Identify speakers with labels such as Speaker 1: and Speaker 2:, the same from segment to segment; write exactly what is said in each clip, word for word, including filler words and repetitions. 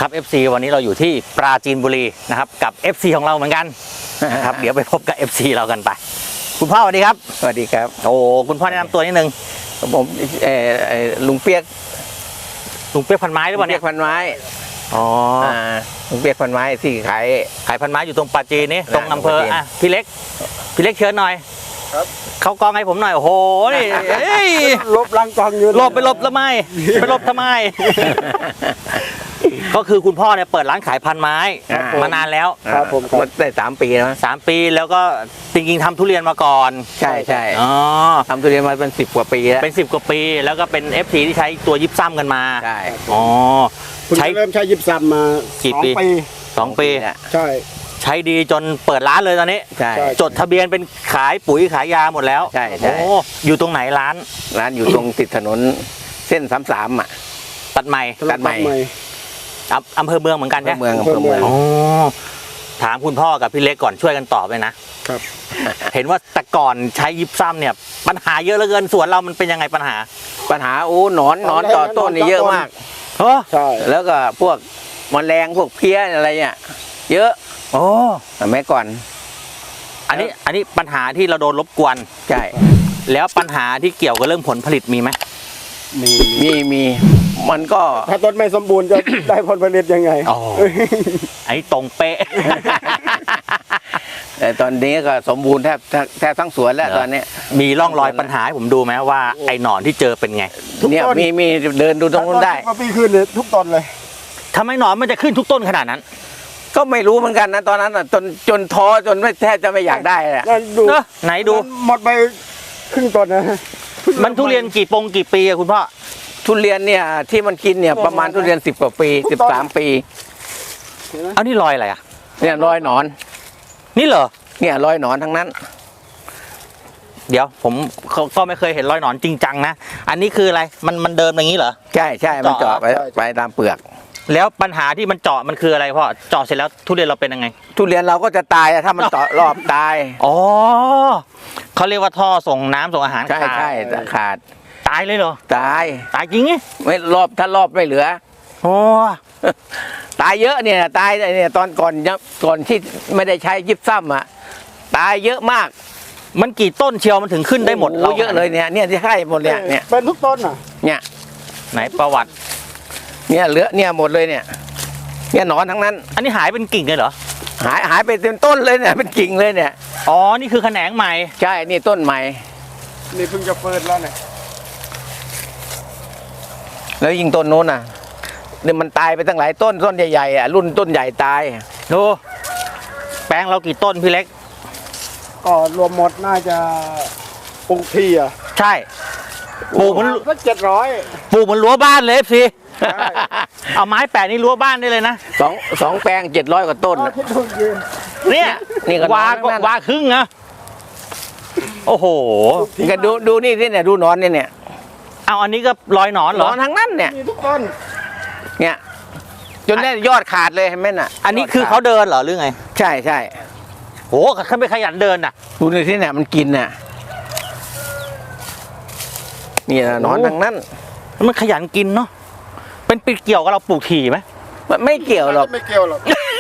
Speaker 1: ครับ เอฟ ซี วันนี้เราอยู่ที่ปราจีนบุรีนะครับกับ เอฟ ซี ของเราเหมือนกันนะครับ เดี๋ยวไปพบกับ เอฟ ซี เรากันไปคุณพ่อสวัสดีครับ
Speaker 2: สวัสดีครับ
Speaker 1: โอ้คุณพ่อแนะนำตัวนิดนึง
Speaker 2: ผมเออลุงเปียก
Speaker 1: ลุงเปียกพันไม้หรือเปล่าเนี่ย
Speaker 2: พันไม้
Speaker 1: อ๋อ
Speaker 2: ลุงเปียกพันไม้ที่ขาย
Speaker 1: ขายพันไม้อยู่ตรงปราจีนนี่ตรงอำเภออ่ะพี่เล็กพี่เล็กเชิญหน่อย
Speaker 3: ครับ
Speaker 1: เขากองให้ผมหน่อยโอ้โหนี่
Speaker 3: ลบลังกองอยู่
Speaker 1: หลบไปหลบทำไมไปหลบทำไมก็คือคุณพ่อเนี่ยเปิดร้านขายพันไม้มานานแล้ว
Speaker 2: ครับผมได้สามปีแล้ว
Speaker 1: สามปีแล้วก็จริงๆทำทุเรียนมาก่อน
Speaker 2: ใช่ใช่
Speaker 1: อ๋อ
Speaker 2: ทำทุเรียนมาเป็นสิบกว่าปีแล้ว
Speaker 1: เป็นสิบกว่าปีแล้วก็เป็น เอฟ ซี ที่ใช้ตัวยิบซ้ำกันมา
Speaker 2: ใช่
Speaker 1: อ๋อ
Speaker 3: ใช้เริ่มใช้ยิบซ้ำมา
Speaker 1: กี่ปีสองปี
Speaker 3: ใช่
Speaker 1: ใช้ดีจนเปิดร้านเลยตอนนี้
Speaker 2: ใช่
Speaker 1: จดทะเบียนเป็นขายปุ๋ยขายยาหมดแล้ว
Speaker 2: ใช่ใช่
Speaker 1: โอ้อยู่ตรงไหนร้าน
Speaker 2: ร้านอยู่ตรงติดถนนเส้นสามสามอ่ะ
Speaker 1: ตัดใหม่
Speaker 2: ตัดใหม่
Speaker 1: อำเภอเมืองเหมือนกันใช่
Speaker 2: ไหมเมืองอำเภอเมือง
Speaker 1: อ๋อถามคุณพ่อกับพี่เล็กก่อนช่วยกันตอบเลยนะครับเห็นว่าแต่ก่อนใช้ยิบซ้ำเนี่ยปัญหาเยอะเหลือเกินสวนเรามันเป็นยังไงปัญหา
Speaker 2: ปัญหาโอ้หนอนหนอนต่อต้นนี่เยอะมาก
Speaker 1: เออ
Speaker 3: ใช่
Speaker 2: แล้วก็พวกแมลงพวกเพี้ยอะไรเนี่ยเยอะ
Speaker 1: โอ้
Speaker 2: แต่เมื่อก่อน
Speaker 1: อันนี้อันนี้ปัญหาที่เราโดนรบกวน
Speaker 2: ใช่
Speaker 1: แล้วปัญหาที่เกี่ยวกับเรื่องผลผลิตมีไหม
Speaker 2: มีมีมีมันก็
Speaker 3: ถ้าต้นไม่สมบูรณ์จะได้ผลผลิตยังไง
Speaker 1: อ๋อไอ้ตรงเป๊ะ
Speaker 2: แต่ตอนนี้ก็สมบูรณ์แทบแทบทั้งสวนแล้วตอนนี้
Speaker 1: มีร่องรอยปัญหาให้ผมดูไหมว่าไอ้หนอนที่เจอเป็นไง
Speaker 2: เนี่ยมีมีเดินดูตรงนู้นได้
Speaker 3: ปีขึ้นเลยทุกต้นเลย
Speaker 1: ทำไมหนอนมันจะขึ้นทุกต้นขนาดนั้น
Speaker 2: ก็ไม่รู้เหมือนกันนะตอนนั้นจนจนท้อจนไม่แทบจะไม่อยากได้แหละ
Speaker 3: ดู
Speaker 1: ไหนดู
Speaker 3: หมดไปครึ่งต้นนะ
Speaker 1: มันทุเรียนกี่ปงกี่ปีอะคุณพ่อ
Speaker 2: ทุเรียนเนี่ยที่มันกินเนี่ยประมาณทุเรียนสิบกว่าปีสิบสามปี
Speaker 1: เอานี่รอยอะไรอะ
Speaker 2: เนี่ยรอยหนอน
Speaker 1: นี่เหรอ
Speaker 2: เนี่ยรอยหนอนทั้งนั้น
Speaker 1: เดี๋ยวผมก็ไม่เคยเห็นรอยหนอนจริงจังนะอันนี้คืออะไรมันมันเดินอย่างนี้เหรอ
Speaker 2: ใช่ใช่มันเจาะไปไปตามเปลือก
Speaker 1: แล้วปัญหาที่มันเจาะมันคืออะไรพ่อเจาะเสร็จแล้วทุเรียนเราเป็นยังไง
Speaker 2: ทุเรียนเราก็จะตายถ้ามันเจาะรอบตาย
Speaker 1: อ๋อเขาเรียกว่าท่อส่งน้ำส่งอาหาร
Speaker 2: ใช่ใช่ขาด
Speaker 1: ตายเลยเหรอ
Speaker 2: ตาย
Speaker 1: ตายจริงไง
Speaker 2: ไม่รอบถ้ารอบไม่เหลือ
Speaker 1: โอ้
Speaker 2: ตายเยอะเนี่ยตายเนี่ยตอนก่อนก่อนที่ไม่ได้ใช้ยิบซ้ำอ่ะตายเยอะมาก
Speaker 1: มันกี่ต้นเชียวมันถึงขึ้นได้หมด
Speaker 2: เราเยอะเลยเนี่ยเนี่ยที่ให้หมดเนี่ยเนี่ย
Speaker 3: เป็นทุกต้นอ่ะ
Speaker 2: เนี่ย
Speaker 1: ไหนประวัติ
Speaker 2: เนี่ยเหลือเนี่ยหมดเลยเนี่ยเนี่ยหนอนทั้งนั้น
Speaker 1: อันนี้หายเป็นกิ่งเลยเหรอ
Speaker 2: หายหายไปเต็มต้นเลยเนี่ยเป็นกิ่งเลยเนี่ย
Speaker 1: อ๋อนี่คือแขนงใหม่
Speaker 2: ใช่นี่ต้นใหม่
Speaker 3: นี่เพิ่งจะเปิดแล้วเนี่ย
Speaker 2: แล้วยิงต้นโน้นน่ะเนี่ยมันตายไปตั้งหลายต้นต้นใหญ่ๆอ่ะรุ่นต้นใหญ่ตาย
Speaker 1: ดูแปลงเรากี่ต้นพี่เล็ก
Speaker 3: ก็รวมหมดน่าจะปลูกที่อ่ะ
Speaker 1: ใช่ปลูกมัน
Speaker 3: สักเจ็ดร้อย
Speaker 1: ปลูกมันรั้วบ้านเลยสิเอาไม้แปะนี่รั้วบ้านได้เลยนะ
Speaker 2: สองสองแปลงเจ็ดร้อยกว่าต้น
Speaker 1: เนี่ยนี่ก็วาก็วาครึ่งนะโอ้โห
Speaker 2: กันดูดูนี่ที่เนี่ยดูหนอนเนี่ยเนี่ย
Speaker 1: เอาอันนี้ก็รอยหนอนเหรอ
Speaker 2: หนอนทั้งนั้นเนี่ย
Speaker 3: มีทุกต้น
Speaker 2: เนี่ยจนได้ยอดขาดเลยเห็นไหมน่ะ
Speaker 1: อันนี้คือเขาเดินเหรอหรือไง
Speaker 2: ใช่ใช่
Speaker 1: โอ้เขาไม่ขยันเดินน่ะ
Speaker 2: ดูในที่เนี่ยมันกินน่ะนี่หนอนทั้งนั้น
Speaker 1: มันขยันกินเนาะเป็นปีเกี่ยวกับเราปลูกถี่ไหม
Speaker 2: ไม่เกี่ยวหรอก
Speaker 3: ไม่เกี่ยวหรอก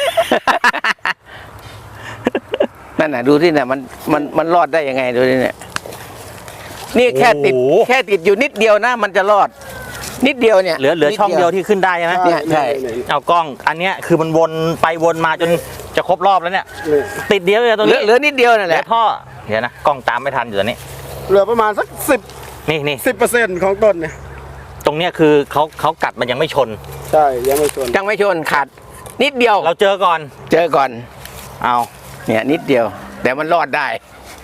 Speaker 2: นั่นน่ะดูที่เนี่ยมันมันมันรอดได้ยังไงดูที่เนี่ยนี่แค่ติดแค่ติดอยู่นิดเดียวนะมันจะรอดนิดเดียวเนี่ย
Speaker 1: เหลือเหลือช่องเดียวที่ขึ้นได้ใช่ไหม
Speaker 2: เนี่ยใช่
Speaker 1: เอากล้องอันเนี้ยคือมันวนไปวนมาจนจะครบรอบแล้วเนี่ยติดเดียวเลยตรงนี้
Speaker 2: เหลือนิดเดียวนั่นแหละ
Speaker 1: ท่อเดี๋ยวนะกล้องตามไม่ทันอยู่ตอนนี้
Speaker 3: เหลือประมาณสักสิบ
Speaker 1: นี่นี่
Speaker 3: สิบเปอร์เซ็นต์ของต้นเนี่ย
Speaker 1: ตรงเนี้ยคือเขาเขากัดมันยังไม่ชน
Speaker 3: ใช่ยังไม่ชน
Speaker 2: ยังไม่ชนขาดนิดเดียว
Speaker 1: เราเจอก่อน
Speaker 2: เจอก่อน
Speaker 1: เอา
Speaker 2: เนี่ยนิดเดียวแต่มันรอดได้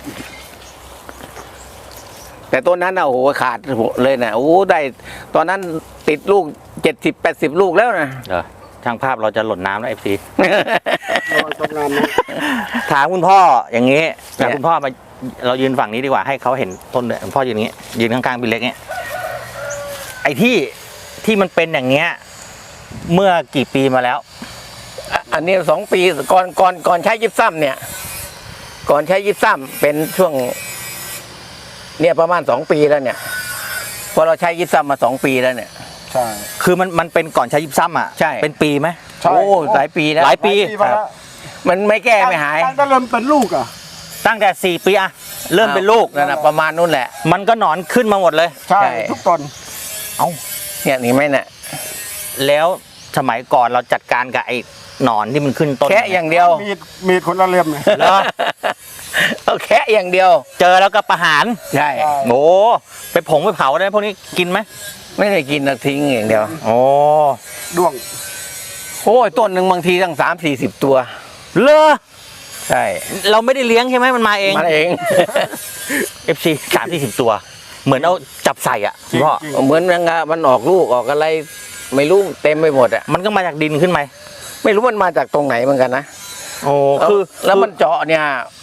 Speaker 2: แต่ต้นนั้นนะโอ้โหขาดเลยนะโอ้ได้ตอนนั้นติดลูกเจ็ดสิบแปดสิบลูกแล้วนะ
Speaker 1: เออช่างภาพเราจะหล่นน้ำแล้วเอฟซี
Speaker 3: ทำงานนะ
Speaker 1: ถามคุณพ่ออย่างนี้แต่คุณพ่อมาเรายืนฝั่งนี้ดีกว่าให้เขาเห็นต้นเลยคุณพ่อยืนอย่างนี้ยืนข้างๆพี่เล็กเนี่ยไอ้ที่ที่มันเป็นอย่างเงี้ยเมื่อกี่ปีมาแล้ว
Speaker 2: อันนี้สองปีก่อนก่อนก่อนใช้ยิบซ้ำเนี่ยก่อนใช้ยิบซ้ำเป็นช่วงเนี่ยประมาณสองปีแล้วเนี่ยพอเราใช้ยิบซ้ำมาสองปีแล้วเนี่ย
Speaker 3: ใช่
Speaker 1: คือมันมันเป็นก่อนใช้ยิปซัมอ่ะ
Speaker 2: ใช่
Speaker 1: เป็นปีไหม
Speaker 3: ใช่
Speaker 2: โอ้หลายปีแล้ว
Speaker 1: หลายปี
Speaker 3: มาแล้ว
Speaker 2: มันไม่แก้ไม่หาย
Speaker 3: ตั้งแต่เริ่มเป็นลูกอ่ะ
Speaker 1: ตั้งแต่สี่ปีอะเริ่มเป็นลูก
Speaker 2: นั่นนะประมาณนู้นแหละ
Speaker 1: มันก็หนอนขึ้นมาหมดเลย
Speaker 3: ใช่
Speaker 2: ใช่
Speaker 3: ทุกต้น
Speaker 1: เอ้า
Speaker 2: เนี่ยนี่ไหมเนี่ย
Speaker 1: แล้วสมัยก่อนเราจัดการกับไอ้หนอนที่มันขึ้นต้น
Speaker 2: แค่อย่างเดียว
Speaker 3: มีดมีดคนละเล่มเลย
Speaker 1: เหรอ
Speaker 2: เอาแค่อย่างเดียว
Speaker 1: เจอแล้วก็ประหาร
Speaker 2: ใช่
Speaker 3: ใช่
Speaker 1: โอ้ไปผงไปเผาได้พวกนี้กินไหม
Speaker 2: ไม่ได้กินนะทิ้งอย่างเดียว
Speaker 1: โอ้
Speaker 3: ด้วง
Speaker 2: โอ้ยต้นหนึ่งบางทีตั้งสามสี่สิบตัว
Speaker 1: เลอ
Speaker 2: ใช่
Speaker 1: เราไม่ได้เลี้ยงใช่ไหมมันมาเอง
Speaker 2: มันเอง
Speaker 1: เอฟซีสามสี่สิบตัว เหมือนเอาจับใส่อ่ะคุณพ่อ
Speaker 3: จริง
Speaker 2: เหมือนมันอะมันออกลูกออกอะไร ไม่รู้เต็มไปหมดอ่ะ
Speaker 1: มันก็มาจากดินขึ้นไหม
Speaker 2: ไม่รู้มันมาจากตรงไหนเหมือนกันนะ
Speaker 1: โอ้
Speaker 2: แล้ว
Speaker 1: คือ
Speaker 2: แล้วมันเจาะเนี่ย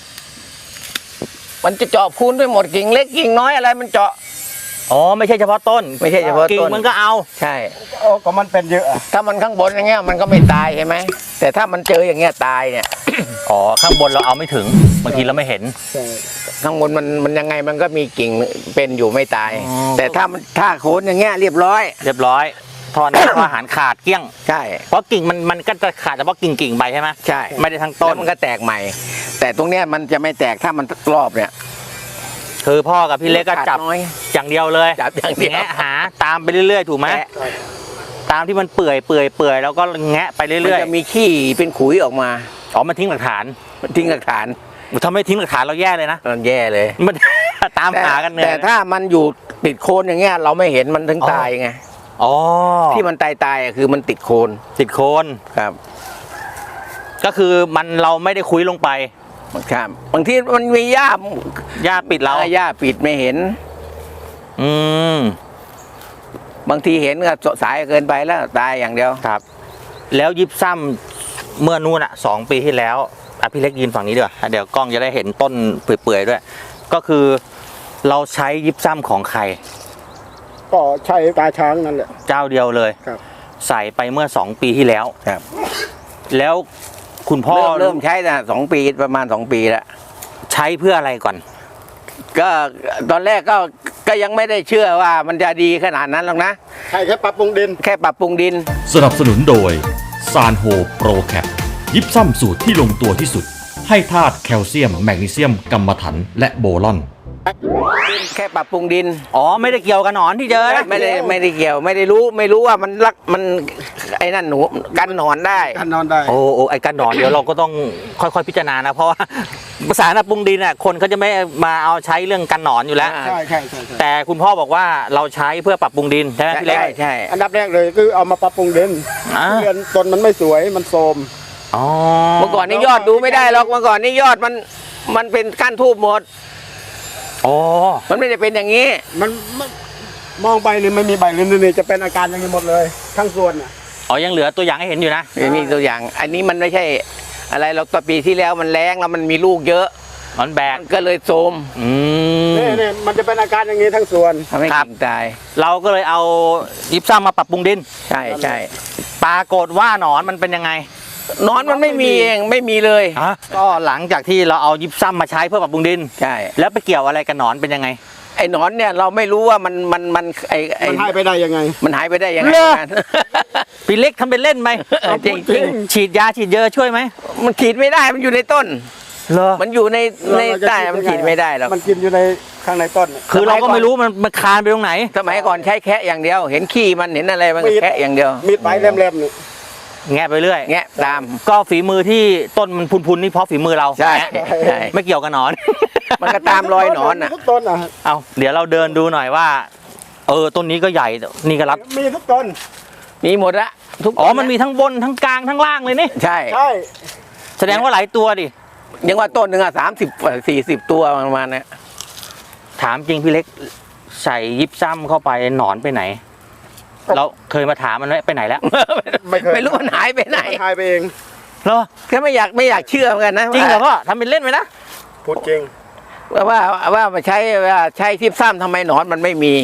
Speaker 2: มันจะเจาะพูนไปหมดกิ่งเล็กกิ่งน้อยอะไรมันเจาะ
Speaker 1: อ๋อไม่ใช่เฉพาะต้น
Speaker 2: ไม่ใช่เฉพาะ
Speaker 1: กิ่ง
Speaker 2: ต้น
Speaker 1: มันก็เอา
Speaker 2: ใช่
Speaker 3: โอ้ก็มันเป็นเยอะอะ
Speaker 2: ถ้ามันข้างบนอย่างเงี้ยมันก็ไม่ตายใช่ไหมแต่ถ้ามันเจออย่างเงี้ยตายเนี่ย
Speaker 1: อ๋อข้างบนเราเอาไม่ถึงบางทีเราไม่เห็น
Speaker 3: ใช่
Speaker 2: ข้างบนมันมันยังไงมันก็มีกิ่งเป็นอยู่ไม่ตาย
Speaker 1: อ๋อ
Speaker 2: แต่ถ้ามันถ้าโคนอย่างเงี้ยเรียบร้อย
Speaker 1: เรียบร้อยทอน อาหารขาดเกลี้ยง
Speaker 2: ใช่
Speaker 1: เพราะกิ่งมันมันก็จะขาดเฉพาะกิ่งกิ่งๆไปใช่ไหม
Speaker 2: ใช่
Speaker 1: ไม่ได้ทั้ง
Speaker 2: ต้
Speaker 1: ต้
Speaker 2: น
Speaker 1: น
Speaker 2: มันก็แตกใหม่ แต่ตรงเนี้ยมันจะไม่แตกถ้ามันรอบเนี่ย
Speaker 1: คือพ่อกับพี่เล็กก็จับ
Speaker 2: น้อย
Speaker 1: อย่างเดียวเลย
Speaker 2: จับอย่างเดียว
Speaker 1: แงะหาตามไปเรื่อยๆถูกไหม
Speaker 2: แตะ
Speaker 1: ตามที่มันเปื่อยเปื่อยเปื่อยแล้วก็แงะไป
Speaker 2: มัน
Speaker 1: เรื่อย
Speaker 2: จะมีขี้เป็นขุยออกมา
Speaker 1: ๆอ๋อมันทิ้งหลักฐาน
Speaker 2: มันทิ้งหลักฐาน
Speaker 1: ถ้าไม่ทิ้งหลักฐานเราแย่เลยนะ
Speaker 2: มันแย่เลย
Speaker 1: มัน ตาม
Speaker 2: แต่
Speaker 1: หากันเหนื่อย
Speaker 2: แต่ถ้ามันอยู่ติดโคนอย่างเงี้ยเราไม่เห็นมันถึง
Speaker 1: อ๋อ
Speaker 2: ตายไง
Speaker 1: อ๋อ
Speaker 2: ที่มันตายตายๆอะคือมันติดโคน
Speaker 1: ติดโคน
Speaker 2: ครับ
Speaker 1: ก็คือมันเราไม่ได้คุยลงไป
Speaker 2: ครับบางทีมันมีหญ้า
Speaker 1: หญ้าปิดเรา
Speaker 2: หญ้าปิดไม่เห็น
Speaker 1: อืม
Speaker 2: บางทีเห็นก็สายเกินไปแล้วตายอย่างเดียว
Speaker 1: ครับ แล้วยิบซ้ำเมื่อนู่นอ่ะสองปีที่แล้วอ่ะพี่เล็กยืนฝั่งนี้ดีกว่าเดี๋ยวกล้องจะได้เห็นต้นเปื่อยๆด้วย ก็คือเราใช้ยิบซ้ำของใคร
Speaker 3: ก็ใช่ตาช้างนั่นแหละ
Speaker 1: เจ้าเดียวเลย
Speaker 3: ครับ
Speaker 1: ใส่ไปเมื่อสองปีที่แล้ว
Speaker 2: ครับ
Speaker 1: แล้วคุณพ่อ
Speaker 2: เริ่มเริ่มใช้นะสองปีประมาณสองปีแล้ว
Speaker 1: ใช้เพื่ออะไรก่อน
Speaker 2: ก็ตอนแรกก็ก็ยังไม่ได้เชื่อว่ามันจะดีขนาดนั้นหรอกนะ
Speaker 3: ใช่แค่ปรับปรุงดิน
Speaker 2: แค่ปรับปรุงดิน
Speaker 4: สนับสนุนโดยซานโฮโปรแคปยิปซัมสูตรที่ลงตัวที่สุด ให้ธาตุแคลเซียม แมกนีเซียมกัมมันถัน และโบรอน
Speaker 2: แค่ปรับปรุงดิน
Speaker 1: อ๋อไม่ได้เกี่ยวกับหนอนที่เจอนะ
Speaker 2: ไม่ได้ไม่ได้เกี่ยว ไม่ได้รู้ไม่รู้ว่ามันรักมันไอ้นั่นหนูกันหนอนได้
Speaker 3: กันนอนได้
Speaker 1: โอ้โอ้ไอ้การหนอนเดี๋ยวเราก็ต้องค่อยๆพิจารณานะเพราะว่าภาษาหน้าปรุงดินน่ะคนเขาจะไม่มาเอาใช้เรื่องกันหนอนอยู่แล้ว
Speaker 2: อ่า
Speaker 3: ใช่ใช่ใช่ใช่
Speaker 1: แต่คุณพ่อบอกว่าเราใช้เพื่อปรับปรุงดินใช่ไหมพี่เล็ก
Speaker 2: ใช่ใช่
Speaker 3: อันดับแรกเลยคือเอามาปรับปรุงดิน
Speaker 1: อ่า
Speaker 3: เรือนต้นมันไม่สวยมันโทรม
Speaker 1: อ๋อ
Speaker 2: เมื่อก่อนนี่ยอดดูไม่ได้หรอกเมื่อก่อนนี่ยอดมันมันเป็นก้านทูบหมด
Speaker 1: อ๋อ
Speaker 2: มันไม่ได้เป็นอย่างนี้
Speaker 3: มันมันมองไปเลยไม่มีใบเลยนี่จะเป็นอาการอย่างนี้หมดเลย ทั้งส่วนน่ะ
Speaker 1: อ๋อยังเหลือตัวอย่างให้เห็นอยู่นะ
Speaker 2: มีตัวอย่าง อันนี้มันไม่ใช่อะไรเราตอนปีที่แล้วมันแรงแล้วมันมีลูกเยอะ
Speaker 1: มันแบก
Speaker 2: มันก็เลยโทรม
Speaker 1: อืม
Speaker 3: นี่นี่มันจะเป็นอาการอย่างนี้ทั้งส่วน
Speaker 2: ทำให้
Speaker 1: ครับ
Speaker 2: กิ่งตาย
Speaker 1: เราก็เลยเอายิปซัมมาปรับปรุงดิน
Speaker 2: ใช่ใช่
Speaker 1: ปรากฏว่าหนอนมันเป็นยังไง
Speaker 2: หนอนมันไม่มีเองไม่มีเลย
Speaker 1: ฮะก็หลังจากที่เราเอายิปซัมมาใช้เพื่อปรับปรุงดิน
Speaker 2: ใช่
Speaker 1: แล้วไปเกี่ยวอะไรกับหนอนเป็นยังไง
Speaker 2: ไอ้หนอนเนี่ยเราไม่รู้ว่ามันมันมันไอ้ไอ้
Speaker 3: มันหายไปได้ยังไง
Speaker 2: มันหายไปได้ยังไง
Speaker 1: เหรอ
Speaker 2: กัน
Speaker 1: พี่เล็กทำเป็นเล่นไหม
Speaker 2: เออจริงจริง
Speaker 1: ฉีดยาฉีดเยอะช่วยไหม
Speaker 2: มันขีดไม่ได้มันอยู่ในต้น
Speaker 1: เหรอ
Speaker 2: มันอยู่ในใน
Speaker 3: เราจะ
Speaker 2: ใต้
Speaker 3: คิด
Speaker 2: มัน
Speaker 3: ยังไง
Speaker 2: ขีดไม่ได้หรอก
Speaker 3: มันกินอยู่ในข้างในต้นน่ะ
Speaker 1: คือเราก็ไม่รู้มันมันคานไปตรงไหน
Speaker 2: สมัยก่อนใช้แคะอย่างเดียว เห็นขี้มันเห็นอะไรมันก็แคะอย่างเดียว
Speaker 3: มีดปลายแหลมๆนี่
Speaker 1: แงะไปเรื่อย
Speaker 2: แงะตาม
Speaker 1: ก็ฝีมือที่ต้นมันพุนๆนี่เพราะฝีมือเรา
Speaker 2: ใช่
Speaker 1: แงะ
Speaker 2: ใช่
Speaker 1: ไม่เกี่ยวกับหนอน
Speaker 2: มันก็ตามรอยหนอนอ่ะ
Speaker 3: มีทุกต้นอ่ะ
Speaker 1: เอาเดี๋ยวเราเดินดูหน่อยว่า เออต้นนี้ก็ใหญ่นี่ก็รับ
Speaker 3: มีทุกต้น
Speaker 2: มีหมดละทุก
Speaker 1: อ๋อมันมีทั้งบนทั้งกลางทั้งล่างเลยนี่
Speaker 2: ใช่
Speaker 3: ใช่
Speaker 1: แสดงว่าหลายตัวดิ
Speaker 2: ยังว่าต้นหนึ่งอ่ะสามสิบสี่สิบตัวประมาณเนี้ย
Speaker 1: ถามจริงพี่เล็กใส่ยิปซัมเข้าไปหนอนไปไหน เราเคยมาถามมันไหมไปไหนแล้ว
Speaker 3: ไม่เคย
Speaker 2: ไม่รู้มันหายไปไหน
Speaker 3: มันหายไปเอง
Speaker 1: เหรอ
Speaker 2: ก็ไม่อยากไม่อยากเชื่อเหมือนกันนะ
Speaker 1: จริงเหรอพ่อทำเป็นเล่นไหมนะ
Speaker 3: พูดจริง
Speaker 2: ว่าว่าว่ามาใช้ว่าใช้ทิพซ้ำทำไมหนอนมันไม่มี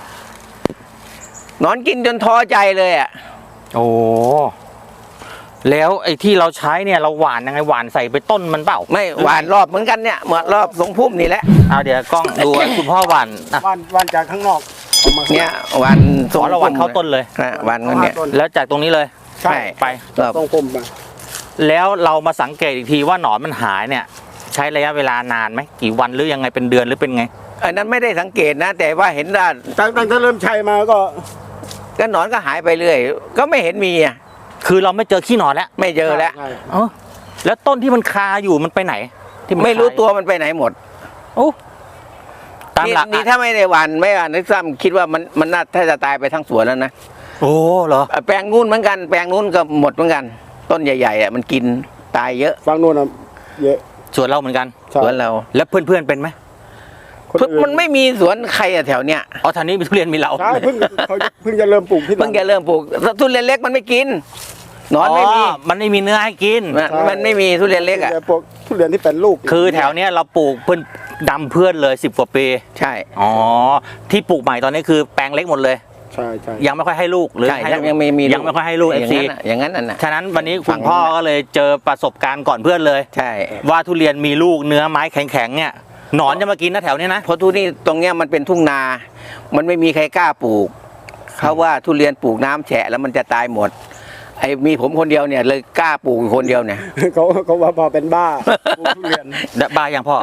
Speaker 2: หนอนกินจนท้อใจเลยอ่ะ
Speaker 1: โอ้แล้วไอ้ที่เราใช้เนี่ยเราหว่านยังไงหว่านใส่ไปต้นมันเปล่า
Speaker 2: ไม่หวานรอบเหมือนกันเนี่ยเหมือนรอบทรงพุ่มนี่แหละ
Speaker 1: เอาเดี๋ยวกล้องดู ให้คุณพ่อหว่านอ่ะ
Speaker 3: วันวันจากข้างนอกเอามา
Speaker 2: เนี่ยวัน
Speaker 1: ขอระวันเข้าต้นเลย
Speaker 2: นะวันก็เนี่ย
Speaker 3: ต้น
Speaker 1: แล้วจากตรงนี้เลย
Speaker 3: ใช่
Speaker 1: ไป
Speaker 2: ครับ
Speaker 3: ต้องพุ่มมา
Speaker 1: แล้วเรามาสังเกตอีกทีว่าหนอนมันหายเนี่ย ใช้ระยะเวลานานไหมกี่วันหรือยังไงเป็นเดือนหรือเป็นไง
Speaker 2: อันนั้นไม่ได้สังเกตนะ แต่ว่าเห็นว่า
Speaker 3: ตั้งตั้งแต่เริ่มใช้มาก็
Speaker 2: ก็หนอนก็หายไปเรื่อยก็ไม่เห็นมีอ่ะ
Speaker 1: คือเราไม่เจอขี้หนอนแล้ว
Speaker 2: ไม่เจอแล้ว
Speaker 3: ใช่
Speaker 1: เออแล้วต้นที่มันคาอยู่มันไปไหน ที่น
Speaker 2: ไม่รู้
Speaker 1: คาอยู่
Speaker 2: ตัวมันไปไหนหมด
Speaker 1: โอ้ตาม
Speaker 2: นี่
Speaker 1: หลัก
Speaker 2: นี่ถ้าไม่ได้หวันไม่หวันนึกซ้ำคิดว่ามันมันน่าถ้าจะตายไปทั้งสวนแล้วนะ
Speaker 1: โอ้เหรอ
Speaker 2: อ่ะแปลงนู้นเหมือนกันแปลงนู้นก็หมดเหมือนกัน ต้นใหญ่ๆอ่ะมันกินตายเยอะ
Speaker 3: ฟังโน่นนะเยอะ
Speaker 1: สวนเราเหมือนกัน
Speaker 3: ใช่
Speaker 2: สวนเรา
Speaker 1: แล้วเพื่อนๆเป็นไหม
Speaker 3: คนอื่
Speaker 2: มันไม่มีสวนใครอะแถวเนี้ย
Speaker 1: อ๋อแถวนี้มีทุเรียนมีเรา
Speaker 3: ใช่เพิ่งเขาเพิ่งจะเริ่มปลูกที่หลั
Speaker 2: เพิ่งจะเริ่มปลูกทุเรียนเล็กมันไม่กินหนอนไม่มี
Speaker 1: มันไม่มีเนื้อให้กิน
Speaker 2: มันมันไม่มีทุเรียนเล็กอ่ะ
Speaker 3: แต่พวกทุเรียนที่เป็นลูก
Speaker 1: คือแถวเนี้ยเราปลูกเพื่อนดำเพื่อนเลยสิบกว่าปี
Speaker 2: ใช่
Speaker 1: อ๋อที่ปลูกใหม่ตอนนี้คือแปลงเล็กหมดเลย
Speaker 3: ใช่ใช่
Speaker 1: ยังไม่ค่อยให้ลูกหรือ
Speaker 2: ใช่
Speaker 1: ให้
Speaker 2: ยังยังไม่มี
Speaker 1: ยังไม่ค่อยให้ลูกเอ
Speaker 2: อ
Speaker 1: ฟ
Speaker 2: ย่าง
Speaker 1: ซี
Speaker 2: นั้นน่ะอย่างนั้นน่ะนะ
Speaker 1: ฉะนั้นวันนี้
Speaker 2: ฝั่
Speaker 1: คุณ
Speaker 2: ง
Speaker 1: พ่อก็เลยเจอประสบการณ์ก่อนเพื่อนเลย
Speaker 2: ใช่
Speaker 1: ว่าทุเรียนมีลูกเนื้อไม้แข็งๆเนี่ยหนอนจะมากินนะแถวเนี้ยนะ
Speaker 2: เพราะทุนี่ตรงเนี้ยมันเป็นทุ่งนา มันไม่มีใครกล้าปลูกเขาว่าทุเรียนปลูกน้ำแฉะแล้วมันจะตายหมดไอ้มีผมคนเดียวเนี่ยเลยกล้าปลูกอยู่คนเดียวเนี่ย
Speaker 3: เขาเขาว่าพอเป็นบ้าปลูกทุเรียน
Speaker 1: บ้ายังพ่อ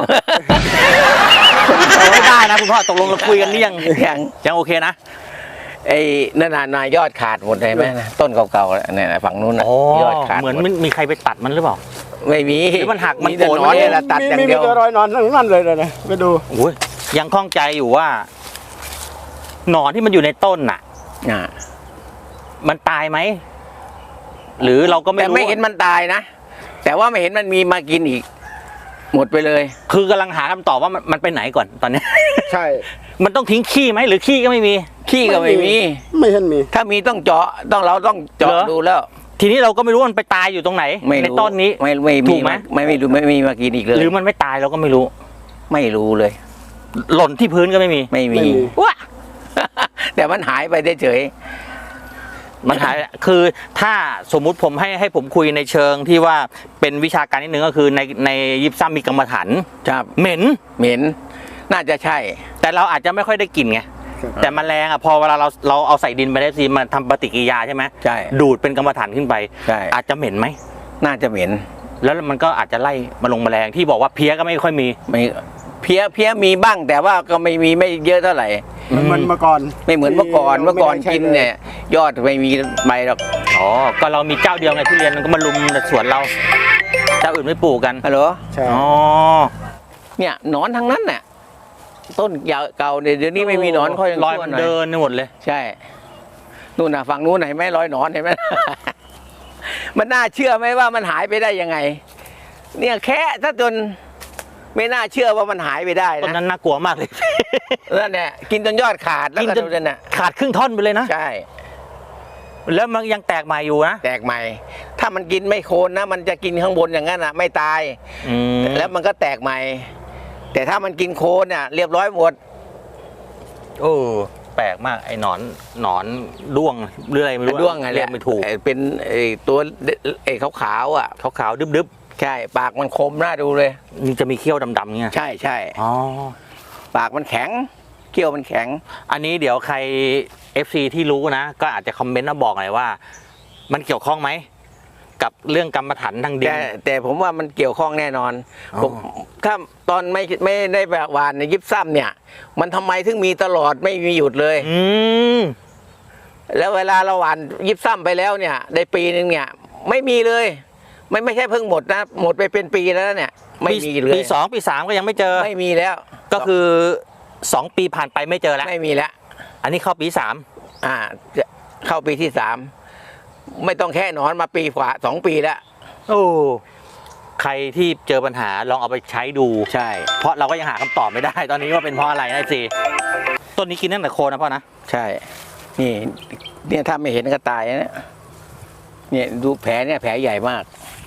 Speaker 1: ไม่บ้านะคุณพ่อตกลงเราคุยกันนี่ยัง
Speaker 2: ยัง
Speaker 1: ยังโอเคนะ
Speaker 2: ไอ้นั่นน่ะนายยอดขาดหมดเลยไหมนะต้นเก่าๆเนี่ยนะฝั่งนู้นน่ะ
Speaker 1: อ๋อย
Speaker 2: อดขาด
Speaker 1: เหมือน
Speaker 2: หด
Speaker 1: มันมีใครไปตัดมันหรือเปล่า
Speaker 2: ไม่มี
Speaker 1: หรือมันหักมัน
Speaker 2: แต่
Speaker 1: โกน
Speaker 2: หนอนเนี่ยละตัด
Speaker 3: มี
Speaker 2: อย่าง
Speaker 3: มี
Speaker 2: เดี
Speaker 3: มี
Speaker 2: ยว
Speaker 3: แต่รอยนอนทั้งนั้นเลยนะนะไปดู
Speaker 1: โอ้ยยังข้องใจอยู่ว่า หนอนที่มันอยู่ในต้นน่ะ
Speaker 2: อ่า
Speaker 1: มันตายไหมหรือเราก็ไม่
Speaker 2: แต่
Speaker 1: รู้
Speaker 2: ไม่เห็นมันตายนะ แต่ว่าไม่เห็นมันมีมากินอีก หมดไปเลย
Speaker 1: คือกำลังหาคำตอบว่ามันมันไปไหนก่อนตอนนี้
Speaker 3: ใช่
Speaker 1: มันต้องทิ้งขี้ไหมหรือขี้ก็ไม่มี
Speaker 2: ขี้ก็ไม่มี
Speaker 3: ไม่เห็นมี
Speaker 2: ถ้ามีต้องเจาะต้องเราต้องเจาะ
Speaker 1: เหรอ
Speaker 2: ดูแล้ว
Speaker 1: ทีนี้เราก็ไม่รู้ว่ามันไปตายอยู่ตรงไหน
Speaker 2: ไม่
Speaker 1: ใน
Speaker 2: รู้
Speaker 1: ต้นนี้
Speaker 2: ไม่ไม่
Speaker 1: ถู
Speaker 2: มี
Speaker 1: กไหม
Speaker 2: ไม่ไม่รู้ไม่ไม่มีมากินอีกเลย
Speaker 1: หรือมันไม่ตายเราก็ไม่รู้
Speaker 2: ไม่รู้เลย
Speaker 1: หล่นที่พื้นก็ไม่มี
Speaker 2: ไม่มี
Speaker 3: ไม่มี
Speaker 1: ว้า
Speaker 2: แต่มันหายไปเฉย
Speaker 1: มันหายคือถ้าสมมุติผมให้ให้ผมคุยในเชิงที่ว่าเป็นวิชาการนิดนึงก็คือในในยิปซัมมีกรรมฐาน
Speaker 2: ๆครับ
Speaker 1: เหม็น
Speaker 2: เหม็นน่าจะใช่
Speaker 1: แต่เราอาจจะไม่ค่อยได้กลิ่นไงแต่แมลงอ่ะพอเวลาเราเราเอาใส่ดินไปได้สิมันทำปฏิกิริยาใช่ไหม
Speaker 2: ใช่
Speaker 1: ดูดเป็นกรรมฐานขึ้นไป
Speaker 2: ใช่
Speaker 1: อาจจะเหม็นไหม
Speaker 2: น่าจะเหม็น
Speaker 1: แล้วมันก็อาจจะไล่มาลงแมลงที่บอกว่าเพี้ยก็ไม่ค่อยมี
Speaker 2: ไม่เพี้ยเพี้ยมีบ้าง แต่ว่าก็ไม่มีไม่เยอะเท่าไหร่
Speaker 3: มันเหมือนเมื่อก่อน
Speaker 2: ไม่เหมือนเมื่อก่อน
Speaker 3: ที่
Speaker 2: เมื่อก่อน
Speaker 3: ไม่ได้ใช้
Speaker 2: กิน
Speaker 3: เลย
Speaker 2: เนี่ย ยอดไม่มีใบหรอก
Speaker 1: อ๋อก็เรามีเจ้าเดียวไงทุเรียนมันก็มาลุมในสวนเราเจ้าอื่นไม่ปลูกกัน
Speaker 2: ฮัลโหล
Speaker 3: ใช่
Speaker 1: อ๋อ
Speaker 2: เนี่ยหนอนทั้งนั้นน่ะต้นยาวเก่าเนี่ยเดี๋ยวนี้ไม่มีหนอนค่อย
Speaker 1: รอยมันเดินไปหมดเลย
Speaker 2: ใช่นู่นน่ะฝั่งนู้นเห็นไหมรอยหนอนเห็นไหม มันน่าเชื่อไหมว่ามันหายไปได้ยังไง เนี่ยแค่ถ้าจนไม่น่าเชื่อว่ามันหายไปได้
Speaker 1: ต้น
Speaker 2: นะ
Speaker 1: นั้นน่ากลัวมากเลย
Speaker 2: นั่นแหละกินจนยอดขาดแล้ว
Speaker 1: กิน
Speaker 2: ก็
Speaker 1: จน
Speaker 2: ดูนั่นน่ะ
Speaker 1: ขาดครึ่งท่อนไปเลยนะ
Speaker 2: ใช่
Speaker 1: แล้วมันยังแตกใหม่อยู่นะ
Speaker 2: แตกใหม่ ถ้ามันกินไม่โคนนะ มันจะกินข้างบนอย่างนั้นอ่ะ ไม่ตาย
Speaker 1: อืม
Speaker 2: แล้วมันก็แตกใหม่ แต่ถ้ามันกินโคนเนี่ยเรียบร้อยหมด
Speaker 1: โอ้แปลกมากไอ้หนอนหนอนด้วงหรืออะไรไม่รู้อะ
Speaker 2: ด้วงไง
Speaker 1: เรียกไม่ถูก
Speaker 2: ไอ้เป็นไอ้ตัวไอ้ขาวๆอ่ะ
Speaker 1: ขาวๆดึบ
Speaker 2: ใช่ ปากมันคมน่าดูเลย
Speaker 1: ๆมันจะมีเขี้ยวดำๆเงี้ย
Speaker 2: ใช่ใช่
Speaker 1: อ๋อ
Speaker 2: ปากมันแข็งเขี้ยวมันแข็ง
Speaker 1: อันนี้เดี๋ยวใคร เอฟ ซี ที่รู้นะ ก็อาจจะคอมเมนต์มาบอกหน่อยว่า มันเกี่ยวข้องไหมกับเรื่องกรรมฐานทางดิน
Speaker 2: แต่แต่ผมว่ามันเกี่ยวข้องแน่นอน
Speaker 1: อ๋อ
Speaker 2: ผมถ้าตอนไม่ไม่ได้แบบหวานในยิบซ้ำเนี่ย มันทำไมถึงมีตลอดไม่มีหยุดเลย
Speaker 1: อืม
Speaker 2: แล้วเวลาเราหวานยิบซ้ำไปแล้วเนี่ยได้ปีนึงเนี่ย ไม่มีเลย ไม่ไม่ใช่เพิ่งหมดนะหมดไปเป็นปีแล้วเนี่ย ไม่มีเลย
Speaker 1: ปีสองปีสามก็ยังไม่เจอ
Speaker 2: ไม่มีแล้ว
Speaker 1: ก็คือสองปีผ่านไปไม่เจอแล้ว
Speaker 2: ไม่มีแล้ว
Speaker 1: อันนี้เข้าปีสาม
Speaker 2: อ่าจะเข้าปีที่สามไม่ต้องแค่นอนมาปีกว่าสองปีแล้ว
Speaker 1: โอ้ใครที่เจอปัญหาลองเอาไปใช้ดู
Speaker 2: ใช่
Speaker 1: เพราะเราก็ยังหาคำตอบไม่ได้ ตอนนี้ว่าเป็นเพราะอะไรนะสิต้นนี้กินตั้งแต่โคนนะพ่อนะ
Speaker 2: ใช่ นี่เนี่ยถ้าไม่เห็นก็ตายนะเนี่ยเนี่ยดูแผลเนี่ยแผลใหญ่มาก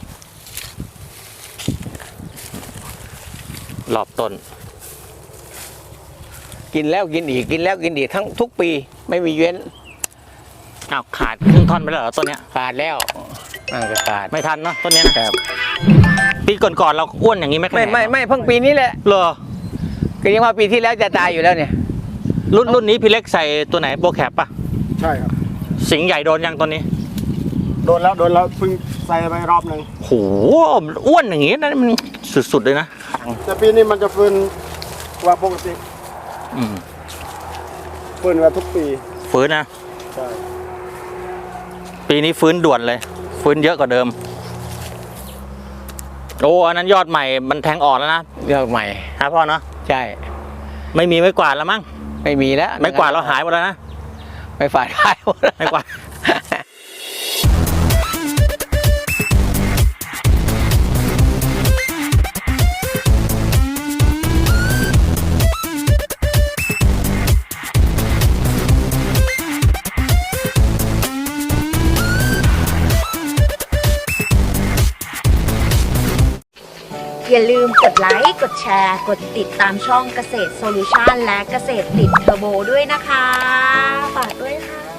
Speaker 1: รอบต้น
Speaker 2: กินแล้วกินอีกกินแล้วกินอีกทั้งทุกปีไม่มีเว้น
Speaker 1: อ้าวขาดครึ่งท่อนไปแล้วเหรอต้นเนี้ย
Speaker 2: ขาดแล้วน่าจะขาด
Speaker 1: ไม่ทันเนาะต้นเนี้ยนะครับ ปีก่อนๆเราอ้วนอย่างนี้ไหม
Speaker 2: ไม่ไม่ไม่เพิ่งปีนี้แหละ
Speaker 1: เหรอ
Speaker 2: ก็ยังว่าปีที่แล้วจะตายอยู่แล้วเนี่ย
Speaker 1: รุ่นรุ่นนี้พี่เล็กใส่ตัวไหนโปรแคปป่ะ
Speaker 3: ใช่ครับ
Speaker 1: สิงห์ใหญ่โดนยังตัวนี้
Speaker 3: โดนแล้วโดนแล้วเพิ่งใส่ไปรอบหนึ่ง
Speaker 1: โหอ้วนอย่างงี้นะมันสุดๆเลยนะ
Speaker 3: แต่ปีนี้มันจะฟื้นกว่าปกติ
Speaker 1: อืม
Speaker 3: ฟื้นกว่าทุกปี
Speaker 1: ฟื้นนะ
Speaker 3: ใช่
Speaker 1: ปีนี้ฟื้นด่วนเลย ฟื้นเยอะกว่าเดิม โอ้อันนั้นยอดใหม่มันแทงอ่อนแล้วนะ
Speaker 2: เลือกใหม่
Speaker 1: ฮะพ่อเนาะ
Speaker 2: ใช่
Speaker 1: ไม่มีไม้กวาดแล้วมั้ง
Speaker 2: ไม่มีแล้ว
Speaker 1: ไม้กวาดเราหายหมดแล้วนะ
Speaker 2: ไม่ฝาดขายหมดแล้ว
Speaker 1: ไม้กวาด
Speaker 5: อย่าลืมกดไลค์ กดแชร์ กดติดตามช่องเกษตรโซลูชันและเกษตรติดเทอร์โบด้วยนะคะ ฝากด้วยค่ะ